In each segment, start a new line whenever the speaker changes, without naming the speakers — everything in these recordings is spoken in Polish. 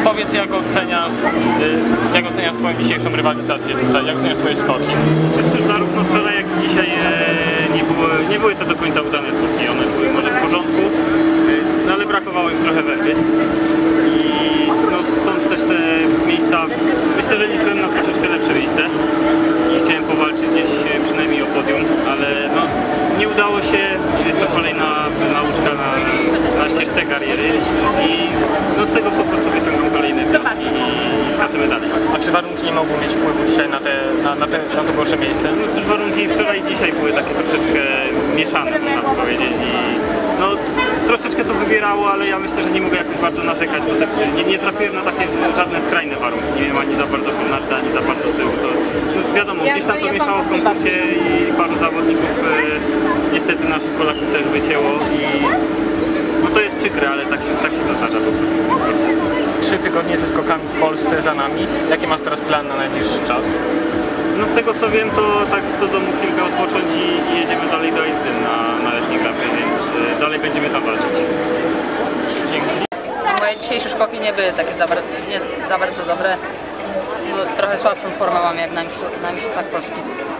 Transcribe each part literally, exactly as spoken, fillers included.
Powiedz, jak oceniasz, jak oceniasz swoją dzisiejszą rywalizację tutaj, jak oceniasz swoje skoki?
Cóż, zarówno wczoraj, jak i dzisiaj e, nie, było, nie były to do końca udane skoki, one były może w porządku, e, no ale brakowało im trochę węgry. I no, stąd też te miejsca, myślę, że liczyłem na troszeczkę lepsze miejsce i chciałem powalczyć gdzieś przynajmniej o podium, ale no, nie udało się. Jest to kolejna nauczka na, na ścieżce kariery i no, z tego po prostu wyciągam kolejne wnioski i skaczemy dalej.
A czy warunki nie mogą mieć wpływu dzisiaj na, te, na, na, te, na to gorsze miejsce?
No cóż, warunki wczoraj i dzisiaj były takie troszeczkę mieszane, można powiedzieć. I, no, troszeczkę to wybierało, ale ja myślę, że nie mogę jakoś bardzo narzekać, bo też nie, nie trafiłem na takie żadne skrajne warunki. Nie wiem ani za bardzo Konarda, ani za bardzo z tyłu. To, no, wiadomo, gdzieś tam to mieszało w konkursie i paru zawodników e, niestety naszych Polaków też wycięło i no to jest przykre, ale tak się, tak się to zdarza po prostu.
Trzy tygodnie ze skokami w Polsce za nami. Jaki masz teraz plan na najbliższy czas?
No z tego co wiem, to tak do domu chwilkę odpocząć i, i jedziemy dalej do Aizdyn na, na letniej grafie, więc y, dalej będziemy tam walczyć.
Dzięki.
Moje dzisiejsze skoki nie były takie za, nie za bardzo dobre. No, trochę słabszą formę mam jak na, na mistrzostwach Polski.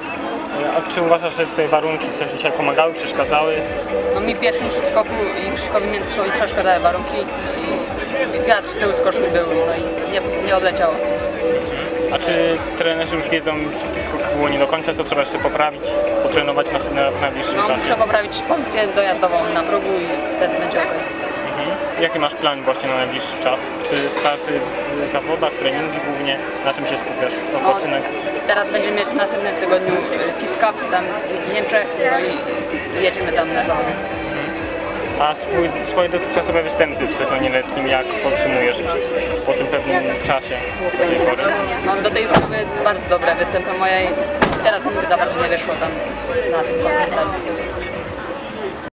A czy uważasz, że te warunki coś dzisiaj pomagały, przeszkadzały?
No mi w pierwszym skoku i Krzyszkowi Międyszowi przeszkadzały warunki. I wiatr z tyłu skoczni był, no i nie, nie odleciało.
A czy trenerzy już wiedzą, czy w skok było nie do końca, co trzeba jeszcze poprawić, potrenować na, na, na najbliższym
No
czasie?
muszę poprawić pozycję dojazdową na progu i wtedy będzie ok.
Mhm. Jaki masz plan właśnie na najbliższy czas? Czy starty w zawodach, treningi głównie? Na czym się skupiasz? Odpoczynek?
No, teraz będziemy mieć w następnym tygodniu Kiss Cup tam w Niemczech, no i jedziemy tam na zawody.
A swój, swoje dotychczasowe występy w sezonie letnim, jak podsumujesz po tym pewnym czasie do tej pory?
No do tej pory były bardzo dobre występy moje i teraz mi za bardzo nie wyszło tam na tym komentarzu.